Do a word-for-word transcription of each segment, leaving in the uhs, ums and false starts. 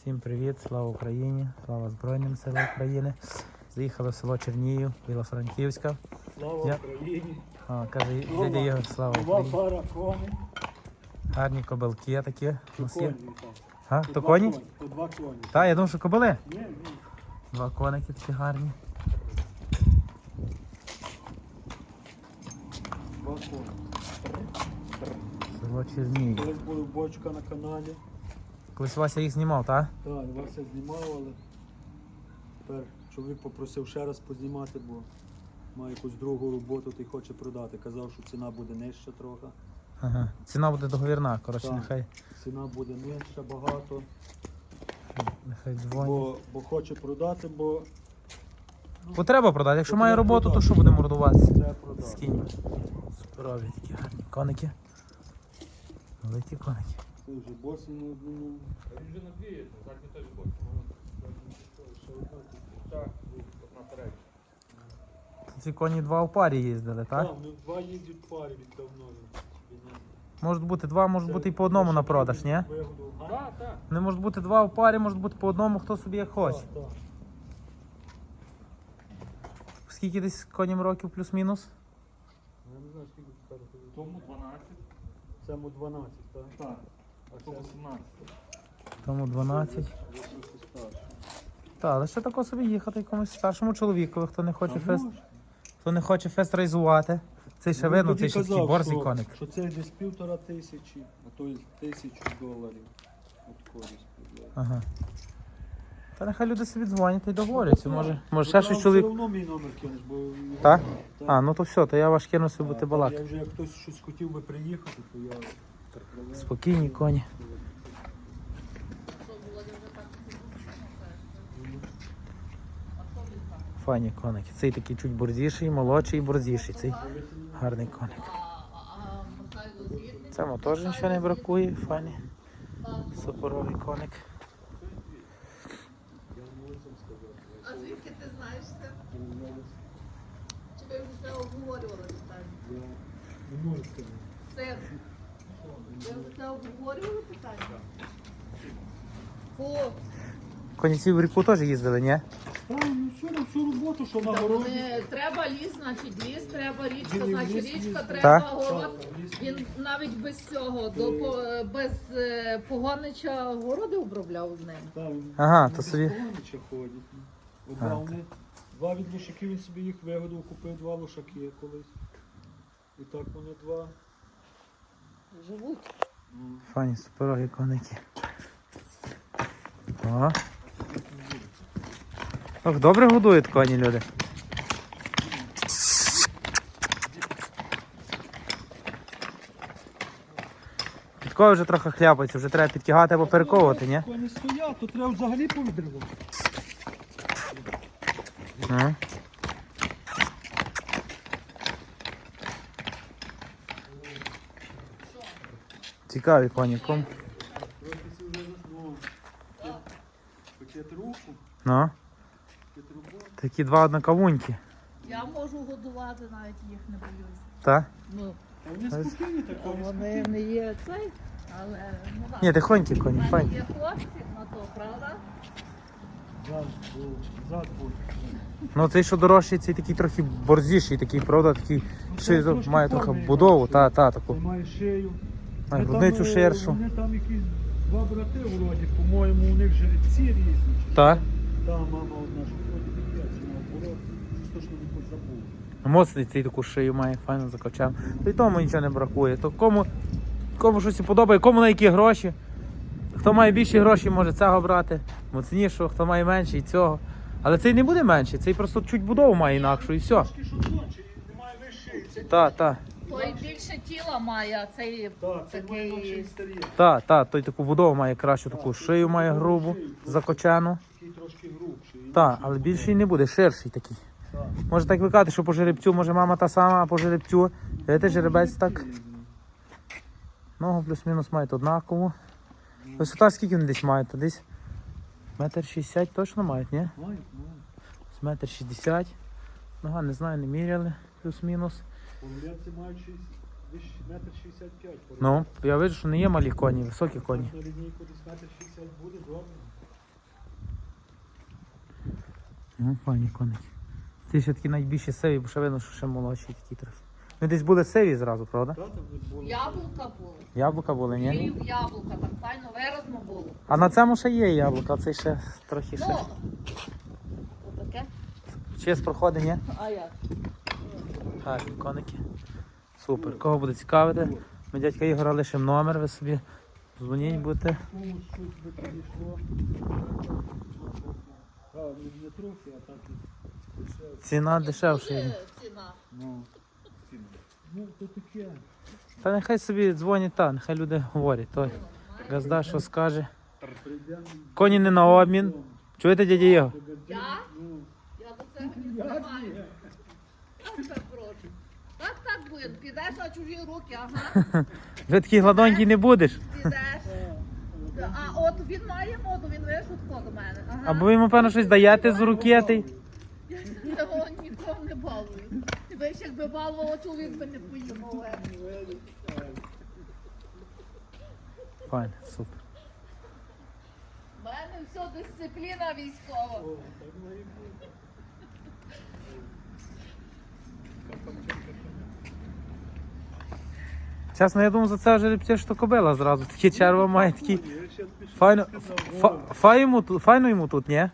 Всім привіт, слава Україні, слава Збройним силам України. Заїхали в село Чернігів, Білофранківська. Слава Я... Україні. А, каже, дядя Ігор, слава Два Україні. пара коней. Гарні кобилки такі. У нас є. Коні, так. А, По то два коні? По два коні. Так, я думав, що кобили. Ні, ні. Два коники такі гарні. Два коні. Село Чернігів. Колись була бочка на каналі. Колись Вася їх знімав, так? Так, Вася знімав, але тепер чоловік попросив ще раз познімати, бо має якусь другу роботу та й хоче продати. Казав, що ціна буде нижча трохи. Ага. Ціна буде договірна, коротше, Так. нехай, Ціна буде нижча багато, нехай дзвонять. бо, бо хоче продати, бо Бо треба продати, якщо Бо має треба роботу, то продати. що буде мордуватися? треба продати. Скинь. Суперові такі гарні коники. Великі коники. Це вже босий на одному. А він вже на дві, задні теж бос. Так, от наперед. Ці коні два в парі їздили, так? Так, ну два їздять в парі від давно. Можуть бути два, можуть бути і по одному на продаж, ні? Так, так. Не можуть бути два в парі, можуть бути по одному, хто собі як хоче. Так, так. Скільки десь коням років плюс-мінус? Я не знаю, скільки тепер. Тому дванадцять. Цьому дванадцять, так? Так. А Тому це сімнадцять. Тому дванадцять. ви трохи старші. Так, але ще тако собі їхати якомусь старшому чоловікові, хто не хоче А фест, може? хто не хоче фест райзувати. Цей ще Ну, видно, тоді цей ще такий казав, борзий що- коник. Що це десь півтора тисячі, а то й тисячу доларів. От користь. Ага. Та нехай люди собі дзвонять і договоряться. Може, може ще Ну, щось Все чоловік. одно мій номер кинеш, бо... його- Так? Так. А, ну то все, то я ваш кину собі бути Так, балакати. Я вже як хтось щось хотів би приїхати, то я... Спокійні коні. Файні коники. Цей такий чуть борзіший, молодший і борзіший. Цей гарний коник. Цьому теж нічого не бракує, файний. Суперовий коник. А звідки ти знаєш це? Чи ви вже це обговорювали питання? Не можу сказати. Син, ви вже це обговорювали питання? Фу, Коні ці в ріку теж їздили, ні? Так, ну все, на всю роботу, що на та городі. вони, треба ліс, значить ліс, треба річка, Він і в значить ліс річка, їздить. треба Так. город. Так, в ліс Він навіть без цього, до, по- без е, погонича городи обробляв з ним. Так, він Ага, ну, то без собі- погонича ходять. От А, два, вони, два від лошаків він собі їх вигодив, купив два лошаки колись. І так вони два. Живуть. Ну, Файні суперові коники. О. Ох, добре годують коні люди. Підкови вже трохи хляпаються, вже треба підтягати або перековувати, ні? Коні стоять, то треба взагалі повідривати. Ну. Цікаві коні, ком. Трохи си вже заснув. Пакет руку, Ну, пакет роботи. такі два однокавуньки. Я можу годувати, навіть їх не боюся. Так? Ну, А вони спокійні так, вони вони спокійні. не є цей, але ну, так. Ні, тихонькі коні, У мене файні. є хлопці на то, правда? Зад був, зад був. Ну цей що дорожчий, цей такий трохи борзіший, такий, правда, такий Ну, ще це трошки має трохи форми будову, інакші. та, та, таку. Це має шию. Має Вони грудницю там, е, ширшу. Вони там якісь два брати вроді, по-моєму, у них жеребці різні. чи Так? що. Та мама одна, що вроді таке, чи наоборот, щось точно не забув. Моцний цей таку шию має, файно закачав. То й тому нічого не бракує. То кому, кому щось подобає, кому на які гроші. Хто має більші гроші, може цього брати, моцнішого, хто має менше і цього. Але цей не буде менший, цей просто чуть будову має інакшу і все. Трошки що тонче, немає вищої. Це Так, так, Той більше тіла має, а цей Так, це має такий. менший старі. так, так, той таку будову має кращу, таку шию має грубу, закочену. Такий трошки грубший. Так, але більший не буде, ширший такий. Так. Може так викати, що по жеребцю, може мама та сама, а по жеребцю. Видите, жеребець так. Ногу плюс-мінус мають однакову. Висота скільки вони десь мають? Та десь метр шістдесят точно мають, ні? Мають, мають. З метр шістдесят. Нога, не знаю, не міряли, плюс-мінус. Половляці мають шість- десь метр шістдесят п'ять. Ну, я бачу, що не є малі коні, високі коні. На лінійку десь метр шістдесят буде, добре. Ну, файні коники. Ці ще такі найбільші сиві, бо ще видно, що ще молодші такі трохи. Ну десь були сиві зразу, правда? Та, там не було. Яблука були. Яблука були, ні? Пів яблука, так файно виразно було. А на цьому ще є яблука, а цей ще трохи ще. Ну, отаке. Чиєсь проходить, ні? А як? Гарні коники. Супер. Кого буде цікавити? Ми дядька Ігора лишимо номер, ви собі дзвоніть будете. Комусь щось би підійшло. А, не, не трохи, а так. і- Ціна дешевша. Дуже є. ціна. Ну, ну, то таке. Та нехай собі дзвонять, та, нехай люди говорять. Той газда, що скаже. Прийдемо. Коні не на обмін. Чуєте, дядя Ігор? Я? Ну, Я до цього не знімаю. Я тебе прошу. Так, так, Буян, підеш на чужі руки, ага. Вже такий гладонький не будеш. Підеш. А от він має моду, він вишутко до мене. Ага. Або ви йому, певно, щось даєте з руки. Та й- Я його нікого не балую. Тебе ще якби балувало, чоловік би не поїхав. Файно, супер. У мене все дисципліна військова. Чесно, я думаю, за це жеребці, що кобила зразу. Такі черва має, такі. Файно, фа, фа йому тут, файно йому тут, ні?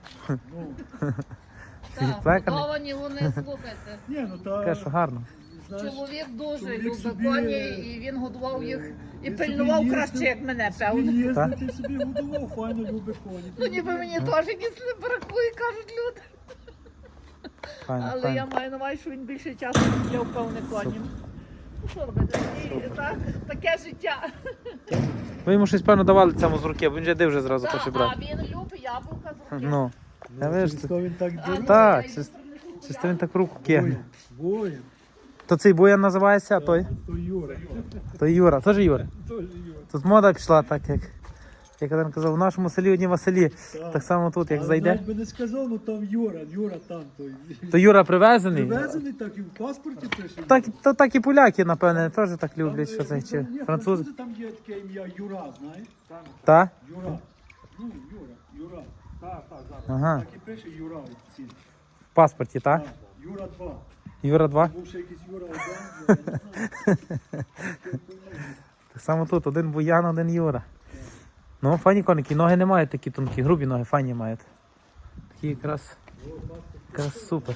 Так, Плеканий. годовані вони, слухайте. ні, ну та, Таке, що гарно. знаєш, Чоловік дуже чоловік любить собі- коні, і він годував їх і він пильнував собі краще, їздив- як мене, собі певно. їздить, і собі годував, файно любить коні. Ну ніби мені теж якісь не бракує, кажуть люди. Файно, Але я файно. маю на увазі, що він більше часу для певне коні. Ну що робити? І так, таке життя. Ви йому щось, певно, давали цьому з руки, бо він же див вже зразу Так, хоче а брати. він любить яблука з руки. Ну, я вижу, Через то він так А, дивиться. ну, Так, я йду чисто- принесу чисто він так руку кигне. Воїн. То цей Буян називається, а той? То Юра. То Юра, теж Юра. Теж Юра. Тут мода пішла так, як, як один казав, в нашому селі одні Василі. Так само тут, як Але зайде. навіть би не сказав, ну там Юра, Юра там той. То Юра привезений. Привезений, так і в паспорті пише. Так, то, так і поляки, напевне, теж так Там, люблять, що це, е, чи ні, французи. Там є таке ім'я Юра, знаєш? Та? Юра. Ну, Юра, Юра. Так, так, так. Ага. Так і пише Юра в цій. В паспорті, та? Так, Юра два. Юра два. Був ще якийсь Юра один, я не знаю. Так само тут, один Буян, один Юра. Ну, файні коники, ноги не мають такі тонкі, грубі ноги, файні мають. Такі якраз, якраз супер.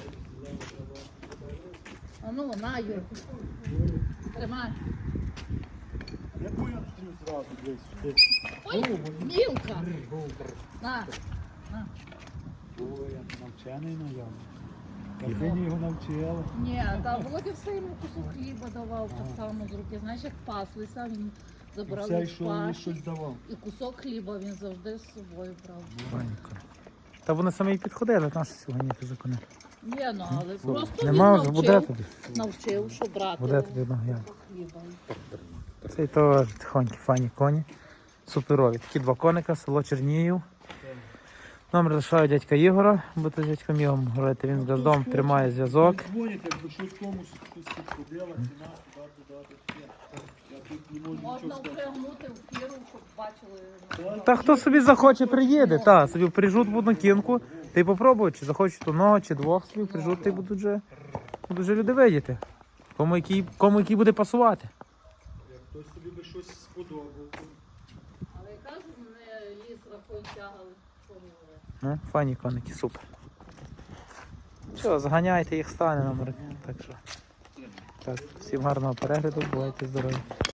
А ну, на, Юрку. Тримай. Я буян стрів зразу, десь. Ой, мілка. На. Буян, навчений наявно. Картині його навчила. Ні, та Володя все йому кусок хліба давав так само з руки. Знаєш, як паслися, він І забрав все, від що йому паші. щось давав. І кусок хліба він завжди з собою брав. Файні коні. Та вони самі й підходили, наші сьогодні ти закони. Ні, ну, але просто Нема він вже, буде навчив, тобі. навчив, що брати Буде тобі одного я. хліба. Цей теж тихонькі, файні коні. Суперові. Такі два коника, село Чернігів. Номер лишаю дядька Ігора, будете з дядьком Ігорем говорити, він з газдом тримає зв'язок. Дзвонять, якби щось комусь щось підходила, ціна, туди, туди, туди. Я тут не можу Можна нічого сказати. впрягнути в фіру, щоб бачили. Та хто собі захоче, приїде, та, собі прижут в одну кінку, та й попробують, чи захочуть одного, чи двох собі прижут, та й будуть вже, будуть вже люди видіти. Кому який, кому який буде пасувати. Як хтось собі би щось сподобав. Але я кажу, мене ліс рахуй тягали. Що говорити? Ну, файні коники, супер. Що, заганяйте їх, стане номер. Так що. Так, всім гарного перегляду, бувайте здорові.